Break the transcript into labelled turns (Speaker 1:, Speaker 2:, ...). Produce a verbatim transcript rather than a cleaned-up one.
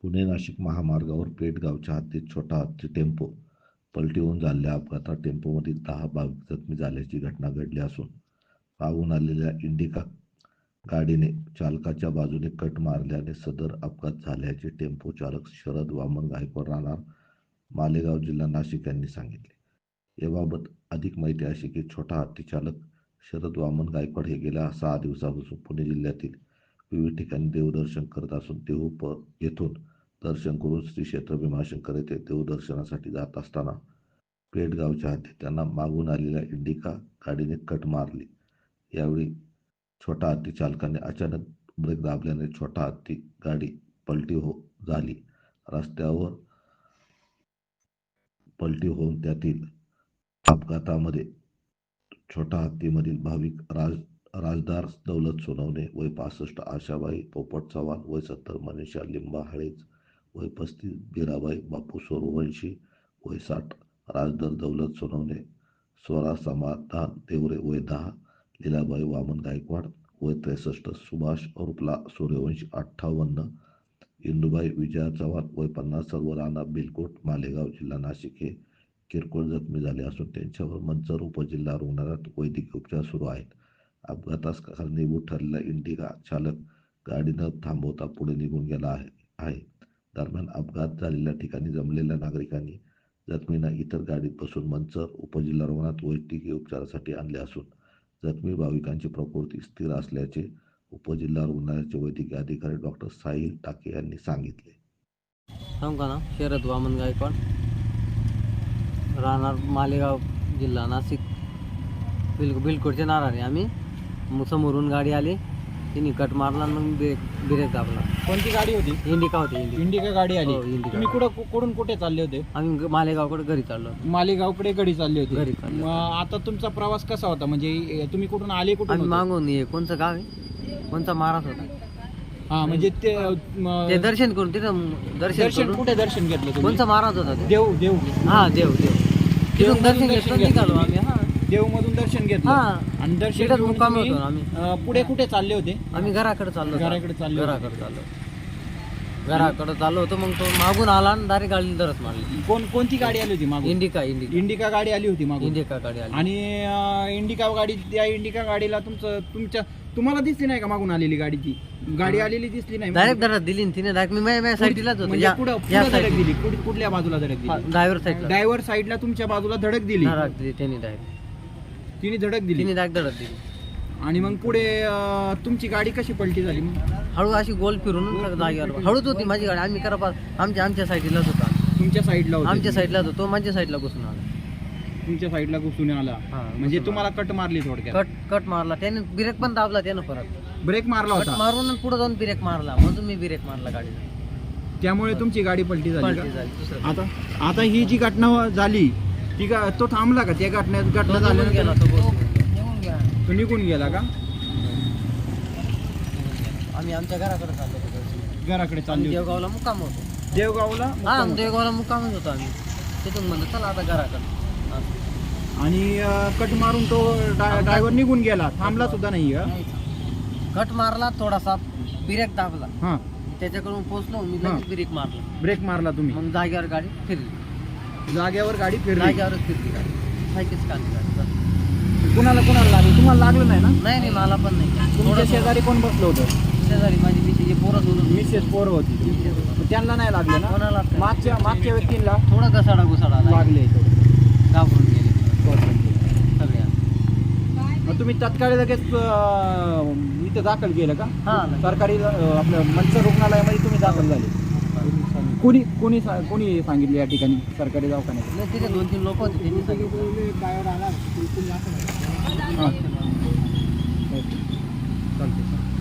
Speaker 1: पुणे नाशिक महामार्गावर पेठगावच्या हद्दीत छोटा हत्ती टेम्पो पलटी होऊन झालेल्या अपघातात टेम्पोमधील दहा भाविक जखमी झाल्याची घटना घडली असून पाहून आलेल्या इंडिका गाडीने चालकाच्या बाजूने कट मारल्याने सदर अपघात झाल्याचे टेम्पो चालक शरद वामन गायकवाड राहणार मालेगाव जिल्हा नाशिक यांनी सांगितले. याबाबत अधिक माहिती अशी की छोटा हत्ती चालक शरद वामन गायकवाड हे गेल्या सहा दिवसापासून पुणे जिल्ह्यातील विविध ठिकाणी देवदर्शन करत असून देहू प येथून दर्शन करून श्री क्षेत्र भीमाशंकर येथे देवदर्शनासाठी जात असताना पेठगावच्या हद्दीत त्यांना मागून आलेल्या इंडिका गाडीने कट मारली. यावेळी छोटा हत्ती चालकाने अचानक ब्रेक दाबल्याने छोटा हत्ती गाडी पलटी हो झाली. रस्त्यावर पलटी होऊन त्यातील अपघातामध्ये छोटा हत्तीमधील भाविक राज राजदार दौलत सोनवणे वय पासष्ट, आशाबाई पोपट चव्हाण वय सत्तर, मनीषा लिंबा हळेज वय पस्तीस, बीराबाई बापू सूर्यवंशी वय साठ, राजदार दौलत सोनवणे, स्वरा समाधान देवरे वय दहा, लीलाबाई वामन गायकवाड वय त्रेसष्ट, सुभाष रुपला सूर्यवंशी अठ्ठावन्न, इंदुबाई विजया चव्हाण वय पन्नास सर्व राणा बिलकोट मालेगाव जिल्हा नाशिक हे किरकोळ जखमी झाले असून त्यांच्यावर मंचर उपजिल्हा रुग्णालयात वैद्यकीय उपचार सुरू आहेत. अपघातास कारणीभूत ठरलेला इंडिका चालक गाडी न थांबवता पुढे निघून गेला आहे आहे दरम्यान अपघात झालेल्या ठिकाणी जमलेल्या नागरिकांनी जखमींना इतर गाडीत बसून मंचर उपजिल्हा रुग्णालयात वैद्यकीय उपचारासाठी आणले असून जखमी भाविकांची प्रकृती स्थिर असल्याचे उपजिल्हा रुग्णालयाचे वैद्यकीय अधिकारी डॉक्टर साहिल टाके यांनी सांगितले.
Speaker 2: सांगू ना, शरद वामन गायकवाड राहणार मालेगाव जिल्हा नाशिक बिल बिलकोटचे नारायण. आम्ही मग समोरून गाडी आली, तिने कट मारला, मग ब्रेक ब्रेक दाबला.
Speaker 3: कोणती गाडी होती?
Speaker 2: इंडिका होती. इंडिका
Speaker 3: इंडिका गाडी आली.
Speaker 2: हो, इंडिका.
Speaker 3: तुम्ही कुठं कुठून कुठे चालले होते?
Speaker 2: आम्ही मालेगावकडे घरी चाललो.
Speaker 3: मालेगावकडे गाडी चालली होती.
Speaker 2: घरी चाललो.
Speaker 3: मग आता तुमचा प्रवास कसा होता? म्हणजे तुम्ही कुठून आले? कुठून
Speaker 2: आम्ही
Speaker 3: होते?
Speaker 2: मागून ये कोणचं गाव आहे, कोणचा महाराज होता
Speaker 3: हा, म्हणजे ते म,
Speaker 2: ते दर्शन करून तिथं दर्शन
Speaker 3: दर्शन
Speaker 2: करून.
Speaker 3: कुठे दर्शन घेतलं तुम्ही?
Speaker 2: कोणचा महाराज होता ते?
Speaker 3: देव देव
Speaker 2: हा देव देव तिथून दर्शन
Speaker 3: दर्शन
Speaker 2: घेतलं, निघालो आम्ही. हा
Speaker 3: देव मधून दर्शन घेतलं.
Speaker 2: हा
Speaker 3: आणि दर्शन
Speaker 2: तिथंच
Speaker 3: घेऊन
Speaker 2: मुक्कामी
Speaker 3: तुम्ही,
Speaker 2: होतो आम्ही.
Speaker 3: अं, पुढे कुठे चालले होते?
Speaker 2: आम्ही घराकडे चाललो.
Speaker 3: घराकडे चालले होते.
Speaker 2: घराकडे चाललो घराकडे चाललो होतो. मग तो मागून आला आणि डायरेक्ट गाडीला धरत मारली.
Speaker 3: कोण कोणती गाडी आली होती मागून?
Speaker 2: इंडिका इंडिका
Speaker 3: इंडिका गाडी आली होती मागून.
Speaker 2: इंडिका गाडी आली.
Speaker 3: आणि अं, इंडिका गाडी, त्या इंडिका गाडीला तुमचं तुमच्या तुम्हाला दिसली नाही का मागून आलेली गाडी? ती गाडी आलेली दिसली नाही?
Speaker 2: डायरेक्ट धडक दिली ना तिने. डायरेक्ट मी माझ्या साईडलाच होतो.
Speaker 3: म्हणजे
Speaker 2: या
Speaker 3: पुढं
Speaker 2: या
Speaker 3: पुढं धडक
Speaker 2: side
Speaker 3: दिली? कुठ- कुठल्या बाजूला धडक दिली?
Speaker 2: ड्रायव्हर साईडला
Speaker 3: ड्रायव्हर साईडला तुमच्या बाजूला धडक दिली.
Speaker 2: धडक दिली त्यांनी. डायरेक्ट
Speaker 3: तिने धडक दिली.
Speaker 2: तिने डायरेक्ट धडक दिली.
Speaker 3: आणि मग पुढे अं, तुमची गाडी कशी पलटी झाली मग?
Speaker 2: हळू अशी गोल फिरून जागेवर हळूच होती माझी गाडी. आम्ही करा आमच्या आमच्या साईडलाच होता.
Speaker 3: तुमच्या साईडला होता?
Speaker 2: आमच्या साईडलाच होतो. माझ्या साईडला घुसून आला.
Speaker 3: तुमच्या साईडला घुसून आला.
Speaker 2: हा,
Speaker 3: म्हणजे
Speaker 2: घुसून
Speaker 3: तुम्हाला कट मारली थोडक्यात?
Speaker 2: कट कट मारला त्याने. ब्रेक पण दाबला त्यानं परत.
Speaker 3: ब्रेक मारला
Speaker 2: कट
Speaker 3: होता.
Speaker 2: मारून पुढे जाऊन ब्रेक मारला. म्हणून मी ब्रेक मारला गाडीला.
Speaker 3: त्यामुळे तुमची गाडी पलटी झाली
Speaker 2: पलटी
Speaker 3: का?
Speaker 2: झाली. दुसरं
Speaker 3: आता आता ही जी घटना झाली ती का तो थांबला का? त्या घटनेत घटना
Speaker 2: तो निघून गेला.
Speaker 3: झाल्यानंतर
Speaker 2: तो बस.
Speaker 3: तो निघून गेला का?
Speaker 2: आम्ही आमच्या घराकडे चाललो होतो.
Speaker 3: घराकडे चालली होती.
Speaker 2: देवगावला मुक्काम होतो.
Speaker 3: देवगावला
Speaker 2: हा
Speaker 3: मुक्काम.
Speaker 2: देवगावला मुक्कामच होतो आम्ही. तिथून म्हणलं चला आता घराकडे. हा.
Speaker 3: आणि अं, कट मारून तो ड्रायव्हर निघून गेला, थांबला सुद्धा नाही का?
Speaker 2: कट मारला, थोडासा ब्रेक दाबला.
Speaker 3: हा,
Speaker 2: त्याच्याकडून पोहोचलो मी,
Speaker 3: हा.
Speaker 2: लगेच ब्रेक मारला.
Speaker 3: ब्रेक मारला तुम्ही.
Speaker 2: मग जागेवर गाडी फिरली.
Speaker 3: जागेवर गाडी फिरली.
Speaker 2: जागेवरच फिरली गाडी. सायकीच काढली गाडी. बस.
Speaker 3: कुणाला कुणाला लागलं? तुम्हाला लागलं नाही ना?
Speaker 2: नाही नाही मला पण नाही.
Speaker 3: तुमच्या
Speaker 2: थोडं
Speaker 3: शेजारी कोण बसलं होतं?
Speaker 2: शेजारी माझी मिशी पोरं दोन.
Speaker 3: मिसेस पोरं होती. मग त्यांना नाही लागलं ना?
Speaker 2: कोणाला
Speaker 3: मागच्या मागच्या व्यक्तींना
Speaker 2: थोडं घसाडा घुसाडा
Speaker 3: लागले.
Speaker 2: घाबरून गेले सगळ्या.
Speaker 3: मग तुम्ही तत्काळ लगेच अं, इथं दाखल केलं का?
Speaker 2: हा
Speaker 3: सरकारी अं, आपलं मंचर रुग्णालयामध्ये तुम्ही दाखल झाले? कोणी कोणी सा- कोणी सांगितलं या ठिकाणी सरकारी दवाखान्यात?
Speaker 2: नाही, तिथे दोन तीन लोक होते त्यांनी सांगितलं.
Speaker 3: हां. चालते सर.